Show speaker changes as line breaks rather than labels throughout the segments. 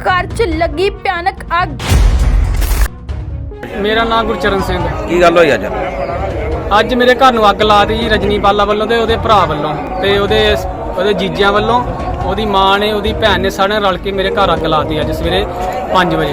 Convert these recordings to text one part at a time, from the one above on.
घर च लगी भयानक अग।
मेरा नाम गुरचरण सिंह है।
की गल होई
ਅੱਜ ਮੇਰੇ ਘਰ ਨੂੰ ਅੱਗ ਲਾ ਦਿੱਤੀ ਜੀ ਰਜਨੀ ਬਾਲਾ ਵੱਲੋਂ ਤੇ ਉਹਦੇ ਭਰਾ ਵੱਲੋਂ ਤੇ ਉਹਦੇ ਜੀਜਿਆਂ ਵੱਲੋਂ, ਉਹਦੀ ਮਾਂ ਨੇ, ਉਹਦੀ ਭੈਣ ਨੇ, ਸਾਰਿਆਂ ਰਲ ਕੇ ਮੇਰੇ ਘਰ ਅੱਗ ਲਾ ਦਿੱਤੀ ਅੱਜ ਸਵੇਰੇ 5 ਵਜੇ।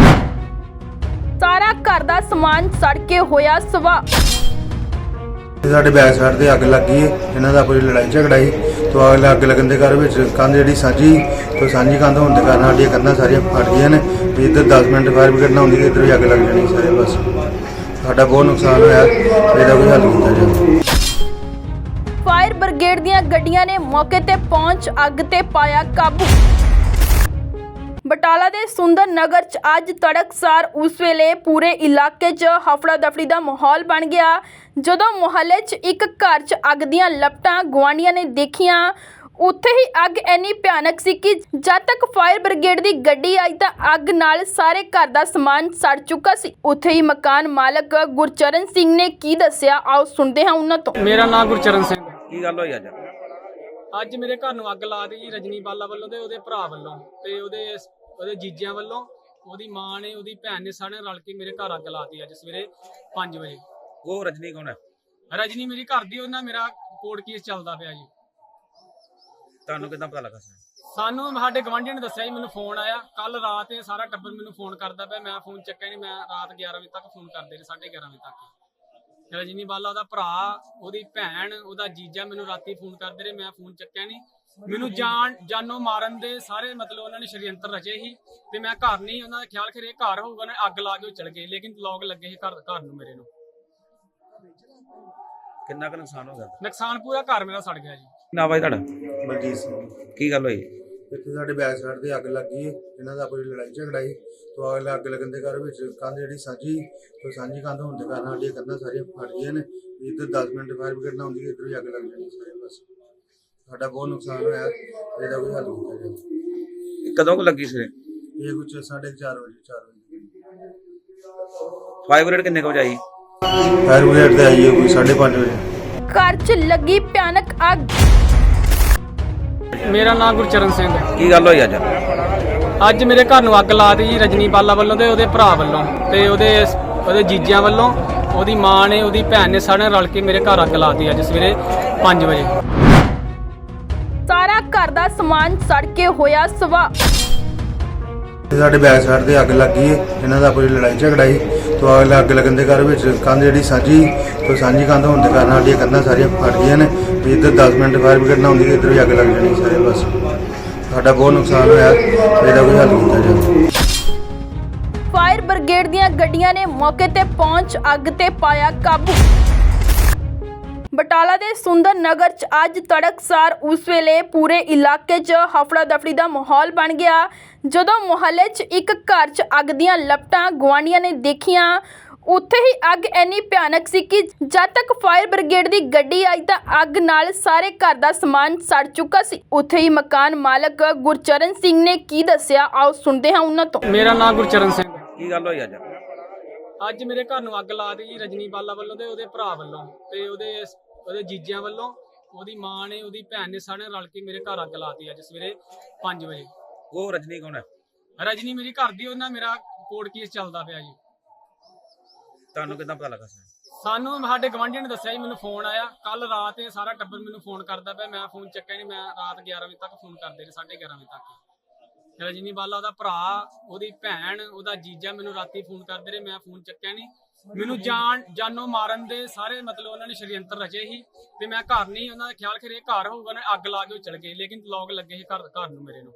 सारा घर दा समान सड़ के होया सवा।
ਸਾਡੇ ਬੈਕ ਸਾਈਡ ਤੇ ਅੱਗ ਲੱਗੀ ਹੈ। ਇਹਨਾਂ ਦਾ ਕੋਈ ਲੜਾਈ ਝਗੜਾ ਸੀ ਤੋਂ ਅੱਗ ਲੱਗਣ ਦੇ ਘਰ ਵਿੱਚ ਕੰਧ ਜਿਹੜੀ ਸਾਂਝੀ ਕੰਧ ਹੋਣ ਦੇ ਕਾਰਨ ਸਾਡੀਆਂ ਕੰਧਾਂ ਸਾਰੀਆਂ ਫਟ ਗਈਆਂ ਨੇ। ਵੀ ਇੱਧਰ 10 ਮਿੰਟ ਫਾਇਰ ਬ੍ਰਿਗੇਡ ਨਾ ਹੁੰਦੀ ਇੱਧਰ ਵੀ ਅੱਗ ਲੱਗ ਜਾਣੀ ਸਾਰੇ ਬਸ। ਸਾਡਾ ਬਹੁਤ ਨੁਕਸਾਨ ਹੋਇਆ, ਇਹਦਾ ਕੋਈ ਹੱਲ ਕੀਤਾ ਜਾਵੇ।
फायर ब्रिगेड ਦੀਆਂ ਗੱਡੀਆਂ ਨੇ ਮੌਕੇ ਤੇ ਪਹੁੰਚ ਅੱਗ ਤੇ ਪਾਇਆ ਕਾਬੂ। ਬਟਾਲਾ ਦੇ ਸੁੰਦਰ ਨਗਰ 'ਚ ਅੱਜ ਤੜਕਸਾਰ ਉਸ ਵੇਲੇ ਪੂਰੇ ਇਲਾਕੇ 'ਚ ਹਫੜਾ ਦਫੜੀ ਦਾ ਮਾਹੌਲ ਬਣ ਗਿਆ ਜਦੋਂ ਮੁਹੱਲੇ 'ਚ ਇੱਕ ਘਰ 'ਚ ਅੱਗ ਦੀਆਂ ਲਪਟਾਂ ਗੁਆਂਢੀਆਂ ਨੇ ਦੇਖੀਆਂ। ਉੱਥੇ ਹੀ ਅੱਗ ਇੰਨੀ ਭਿਆਨਕ ਸੀ ਕਿ ਜਦ ਤੱਕ ਫਾਇਰ ਬ੍ਰਿਗੇਡ ਦੀ ਗੱਡੀ ਆਈ ਤਾਂ ਅੱਗ ਨਾਲ ਸਾਰੇ ਘਰ ਦਾ ਸਮਾਨ ਸੜ ਚੁੱਕਾ ਸੀ। ਉੱਥੇ ਹੀ ਮਕਾਨ ਮਾਲਕ ਗੁਰਚਰਨ ਸਿੰਘ ਨੇ ਕੀ ਦੱਸਿਆ, ਆਓ ਸੁਣਦੇ ਹਾਂ ਉਹਨਾਂ ਤੋਂ।
ਮੇਰਾ ਨਾਮ ਗੁਰਚਰਨ ਸਿੰਘ ਹੈ।
की गल होई
ਅੱਜ ਮੇਰੇ ਘਰ ਨੂੰ ਅੱਗ ਲਾ ਦਿੱਤੀ ਜੀ ਰਜਨੀ ਬਾਲਾ ਵੱਲੋਂ ਤੇ ਉਹਦੇ ਭਰਾ ਵੱਲੋਂ ਤੇ ਉਹਦੇ ਜੀਜਿਆਂ ਵੱਲੋਂ, ਉਹਦੀ ਮਾਂ ਨੇ, ਉਹਦੀ ਭੈਣ ਨੇ, ਸਾਰਿਆਂ ਰਲ ਕੇ ਮੇਰੇ ਘਰ ਅੱਗ ਲਾ ਦਿੱਤੀ ਅੱਜ ਸਵੇਰੇ 5 ਵਜੇ।
वो रजनी कौन है?
ਰਜਨੀ ਮੇਰੀ ਘਰ ਦੀ, ਉਹਨਾਂ ਮੇਰਾ ਕੋਰਟ ਕੇਸ ਚੱਲਦਾ ਪਿਆ ਜੀ।
ਤੁਹਾਨੂੰ ਕਿੱਦਾਂ ਪਤਾ ਲੱਗਾ ਸਰ?
ਸਾਨੂੰ ਸਾਡੇ ਗਵਾਂਢੀਆਂ ਨੇ ਦੱਸਿਆ ਜੀ, ਮੈਨੂੰ ਫੋਨ ਆਇਆ ਕੱਲ ਰਾਤ। ਇਹ ਸਾਰਾ ਟੱਬਰ ਮੈਨੂੰ ਫੋਨ ਕਰਦਾ ਪਿਆ, ਮੈਂ ਫੋਨ ਚੱਕਿਆ ਨਹੀਂ। ਮੈਂ ਰਾਤ 11 ਵਜੇ ਤੱਕ ਫੋਨ ਕਰਦੇ ਰਹੇ, 11:30 ਵਜੇ ਤੱਕ। ਰਜਨੀ ਬਾਲਾ ਉਹਦਾ ਭਰਾ, ਉਹਦੀ ਭੈਣ, ਉਹਦਾ ਜੀਜਾ ਮੈਨੂੰ ਰਾਤੀ ਫੋਨ ਕਰਦੇ ਰਹੇ, ਮੈਂ ਫੋਨ ਚੱਕਿਆ ਨਹੀਂ। ਮੈਨੂੰ ਜਾਨੋਂ ਮਾਰਨ ਦੇ ਸਾਰੇ ਮਤਲਬ ਉਹਨਾਂ ਨੇ ਸ਼ਰੀਅੰਤਰ ਰਚੇ ਸੀ ਤੇ ਮੈਂ ਘਰ ਨਹੀਂ, ਉਹਨਾਂ ਦਾ ਖਿਆਲ ਕਰੇ ਘਰ ਹੋਊਗਾ ਨਾ, ਅੱਗ ਲਾ ਕੇ ਉਹ ਚਲ ਗਏ। ਲੇਕਿਨ ਲੋਕ ਲੱਗੇ ਸੀ ਘਰ ਨੂੰ ਮੇਰੇ ਨੂੰ।
ਕਿੰਨਾ ਕੁ ਨੁਕਸਾਨ ਹੋ ਗਿਆ?
ਨੁਕਸਾਨ ਪੂਰਾ ਘਰ ਮੇਰਾ ਸੜ ਗਿਆ ਜੀ।
ਨਾ ਬਾਈ ਤੁਹਾਡਾ
ਮਨਜੀਤ ਸਿੰਘ।
ਕੀ ਗੱਲ ਹੋਈ?
ਇੱਥੇ ਸਾਡੇ ਬੈਕ ਸਾਈਡ ਤੇ ਅੱਗ ਲੱਗੀ ਹੈ। ਇਹਨਾਂ ਦਾ ਕੋਈ ਲੜਾਈ ਝਗੜਾ ਸੀ ਤੋਂ ਅੱਗ ਲੱਗਣ ਦੇ ਘਰ ਵਿੱਚ ਕੰਧ ਜਿਹੜੀ ਸਾਂਝੀ ਕੰਧ ਹੋਣ ਦੇ ਕਾਰਨ ਸਾਡੀਆਂ ਕੰਧਾਂ ਸਾਰੀਆਂ ਫਟ ਗਈਆਂ ਨੇ। ਇੱਧਰ 10 ਮਿੰਟ ਫਾਇਰ ਬ੍ਰਿਗੇਡ ਨਾ ਹੁੰਦੀ ਇੱਧਰ ਵੀ ਅੱਗ ਲੱਗ ਜਾਣੀ ਸਾਰੇ ਬਸ। ਸਾਡਾ ਬਹੁਤ ਨੁਕਸਾਨ ਹੋਇਆ, ਇਹਦਾ ਕੋਈ ਹੱਲ ਕੀਤਾ ਜਾਵੇ।
ਕਦੋਂ ਕੁ ਲੱਗੀ ਸਵੇਰੇ?
ਇਹ ਕੁਝ 4:30 ਵਜੇ 4 ਵਜੇ।
ਫਾਇਰ ਬ੍ਰਿਗੇਡ ਕਿੰਨੇ ਕੁ ਵਜੇ ਆਈ?
ਫਾਇਰ ਬ੍ਰਿਗੇਡ ਤੇ ਆਈ ਹੈ ਕੋਈ 5:30 ਵਜੇ।
घर च लगी भयानक अग।
ਮੇਰਾ ਨਾਮ ਗੁਰਚਰਨ ਸਿੰਘ ਹੈ।
ਕੀ ਗੱਲ ਹੋਈ
ਅੱਜ ਮੇਰੇ ਘਰ ਨੂੰ ਅੱਗ ਲਾ ਦਿੱਤੀ ਜੀ ਰਜਨੀ ਬਾਲਾ ਵੱਲੋਂ ਤੇ ਉਹਦੇ ਭਰਾ ਵੱਲੋਂ ਤੇ ਉਹਦੇ ਜੀਜਿਆਂ ਵੱਲੋਂ, ਉਹਦੀ ਮਾਂ ਨੇ, ਉਹਦੀ ਭੈਣ ਨੇ, ਸਾਰਿਆਂ ਰਲ ਕੇ ਮੇਰੇ ਘਰ ਅੱਗ ਲਾ ਦਿੱਤੀ ਅੱਜ ਸਵੇਰੇ 5 ਵਜੇ।
सारा घर दा समान सड़ के होया सवा।
ਸਾਡੇ ਬੈਕ ਸਾਈਡ ਤੇ ਅੱਗ ਲੱਗੀ ਹੈ। ਇਹਨਾਂ ਦਾ ਕੋਈ ਲੜਾਈ ਝਗੜਾ ਸੀ ਤੋਂ ਅੱਗ ਲੱਗਣ ਦੇ ਘਰ ਵਿੱਚ ਕੰਧ ਜਿਹੜੀ ਸਾਂਝੀ ਕੰਧ ਹੋਣ ਦੇ ਕਾਰਨ ਸਾਡੀਆਂ ਕੰਧਾਂ ਸਾਰੀਆਂ ਫਟ ਗਈਆਂ ਨੇ। ਵੀ ਇੱਧਰ 10 ਮਿੰਟ ਫਾਇਰ ਬ੍ਰਿਗੇਡ ਨਾ ਹੁੰਦੀ ਇੱਧਰ ਵੀ ਅੱਗ ਲੱਗ ਜਾਣੀ ਸਾਰੇ ਬਸ। ਸਾਡਾ ਬਹੁਤ ਨੁਕਸਾਨ ਹੋਇਆ, ਇਹਦਾ ਕੋਈ ਹੱਲ ਕੀਤਾ ਜਾਵੇ।
ਫਾਇਰ ਬ੍ਰਿਗੇਡ ਦੀਆਂ ਗੱਡੀਆਂ ਨੇ ਮੌਕੇ ਤੇ ਪਹੁੰਚ ਅੱਗ ਤੇ ਪਾਇਆ ਕਾਬੂ। ਬਟਾਲਾ ਦੇ ਸੁੰਦਰ ਨਗਰ 'ਚ ਅੱਜ ਤੜਕਸਾਰ ਉਸ ਵੇਲੇ ਪੂਰੇ ਇਲਾਕੇ 'ਚ ਹਫੜਾ ਦਫੜੀ ਦਾ ਮਾਹੌਲ ਬਣ ਗਿਆ ਜਦੋਂ ਮੁਹੱਲੇ 'ਚ ਇੱਕ ਘਰ 'ਚ ਅੱਗ ਦੀਆਂ ਲਪਟਾਂ ਗੁਆਂਢੀਆਂ ਨੇ ਦੇਖੀਆਂ। ਉੱਥੇ ਹੀ ਅੱਗ ਇੰਨੀ ਭਿਆਨਕ ਸੀ ਕਿ ਜਦ ਤੱਕ ਫਾਇਰ ਬ੍ਰਿਗੇਡ ਦੀ ਗੱਡੀ ਆਈ ਤਾਂ ਅੱਗ ਨਾਲ ਸਾਰੇ ਘਰ ਦਾ ਸਮਾਨ ਸੜ ਚੁੱਕਾ ਸੀ। ਉੱਥੇ ਹੀ ਮਕਾਨ ਮਾਲਕ ਗੁਰਚਰਨ ਸਿੰਘ ਨੇ ਕੀ ਦੱਸਿਆ, ਆਓ ਸੁਣਦੇ ਹਾਂ ਉਹਨਾਂ ਤੋਂ।
ਮੇਰਾ ਨਾਮ ਗੁਰਚਰਨ ਸਿੰਘ ਹੈ।
ਕੀ ਗੱਲ ਹੋਈ
ਅੱਜ ਮੇਰੇ ਘਰ ਨੂੰ ਅੱਗ ਲਾ ਦਿੱਤੀ ਜੀ ਰਜਨੀ ਬਾਲਾ ਵੱਲੋਂ ਤੇ ਉਹਦੇ ਭਰਾ ਵੱਲੋਂ ਤੇ ਉਹਦੇ ਜੀਜਿਆਂ ਵੱਲੋਂ, ਉਹਦੀ ਮਾਂ ਨੇ, ਉਹਦੀ ਭੈਣ ਨੇ, ਸਾਰਿਆਂ ਰਲ ਕੇ ਮੇਰੇ ਘਰ ਅੱਗ ਲਾ ਦਿੱਤੀ ਅੱਜ ਸਵੇਰੇ 5 ਵਜੇ।
ਉਹ ਰਜਨੀ ਕੌਣ ਹੈ?
ਰਜਨੀ ਮੇਰੀ ਘਰ ਦੀ, ਉਹਨਾਂ ਮੇਰਾ ਕੋਰਟ ਕੇਸ ਚੱਲਦਾ ਪਿਆ ਜੀ।
ਤੁਹਾਨੂੰ ਕਿੱਦਾਂ ਪਤਾ ਲੱਗਾ ਸਰ?
ਸਾਨੂੰ ਸਾਡੇ ਗਵਾਂਢੀਆਂ ਨੇ ਦੱਸਿਆ ਜੀ, ਮੈਨੂੰ ਫੋਨ ਆਇਆ ਕੱਲ ਰਾਤ। ਇਹ ਸਾਰਾ ਟੱਬਰ ਮੈਨੂੰ ਫੋਨ ਕਰਦਾ ਪਿਆ, ਮੈਂ ਫੋਨ ਚੱਕਿਆ ਨਹੀਂ। ਮੈਂ ਰਾਤ 11 ਵਜੇ ਤੱਕ ਫੋਨ ਕਰਦੇ ਰਹੇ, 11:30 ਵਜੇ ਤੱਕ। ਰਜਨੀ ਬਾਲਾ ਉਹਦਾ ਭਰਾ, ਉਹਦੀ ਭੈਣ, ਉਹਦਾ ਜੀਜਾ ਮੈਨੂੰ ਰਾਤੀ ਫੋਨ ਕਰਦੇ ਰਹੇ, ਮੈਂ ਫੋਨ ਚੱਕਿਆ ਨਹੀਂ। ਮੈਨੂੰ ਜਾਨੋਂ ਮਾਰਨ ਦੇ ਸਾਰੇ ਮਤਲਬ ਉਹਨਾਂ ਨੇ ਸ਼ਰੀਅੰਤਰ ਰਚੇ ਸੀ ਤੇ ਮੈਂ ਘਰ ਨਹੀਂ, ਉਹਨਾਂ ਦਾ ਖਿਆਲ ਕਰੇ ਘਰ ਹੋਊਗਾ ਨਾ, ਅੱਗ ਲਾ ਕੇ ਉਹ ਚਲ ਗਏ। ਲੇਕਿਨ ਲੋਕ ਲੱਗੇ ਸੀ ਘਰ ਨੂੰ ਮੇਰੇ ਨੂੰ।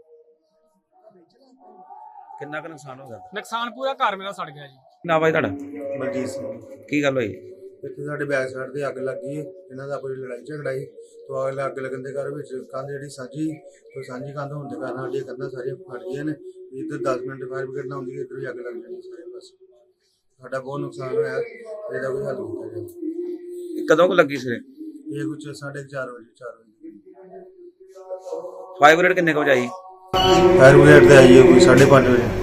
ਕਿੰਨਾ ਕੁ ਨੁਕਸਾਨ ਹੋ ਗਿਆ?
ਨੁਕਸਾਨ ਪੂਰਾ ਘਰ ਮੇਰਾ ਸੜ ਗਿਆ ਜੀ।
ਨਾ ਬਾਈ ਤੁਹਾਡਾ
ਮਨਜੀਤ ਸਿੰਘ।
ਕੀ ਗੱਲ ਹੋਈ?
ਇੱਥੇ ਸਾਡੇ ਬੈਕ ਸਾਈਡ ਤੇ ਅੱਗ ਲੱਗੀ ਹੈ। ਇਹਨਾਂ ਦਾ ਕੋਈ ਲੜਾਈ ਝਗੜਾ ਸੀ ਤੋਂ ਅੱਗ ਲੱਗਣ ਦੇ ਘਰ ਵਿੱਚ ਕੰਧ ਜਿਹੜੀ ਸਾਂਝੀ ਕੰਧ ਹੋਣ ਦੇ ਕਾਰਨ ਸਾਡੀਆਂ ਕੰਧਾਂ ਸਾਰੀਆਂ ਫਟ ਗਈਆਂ ਨੇ। ਇੱਧਰ 10 ਮਿੰਟ ਫਾਇਰ ਬ੍ਰਿਗੇਡ ਨਾ ਹੁੰਦੀ ਇੱਧਰ ਵੀ ਅੱਗ ਲੱਗ ਜਾਣੀ ਸਾਰੇ ਬਸ। ਸਾਡਾ ਬਹੁਤ ਨੁਕਸਾਨ ਹੋਇਆ, ਇਹਦਾ ਕੋਈ ਹੱਲ ਕੀਤਾ ਜਾਵੇ।
ਕਦੋਂ ਕੁ ਲੱਗੀ ਸਵੇਰੇ?
ਇਹ ਕੁਝ 4:30 ਵਜੇ 4 ਵਜੇ।
ਫਾਇਰ ਬ੍ਰਿਗੇਡ ਕਿੰਨੇ ਕੁ ਵਜੇ ਆਈ?
ਫਾਇਰ ਬ੍ਰਿਗੇਡ ਤੇ ਆਈ ਹੈ ਕੋਈ 5:30 ਵਜੇ।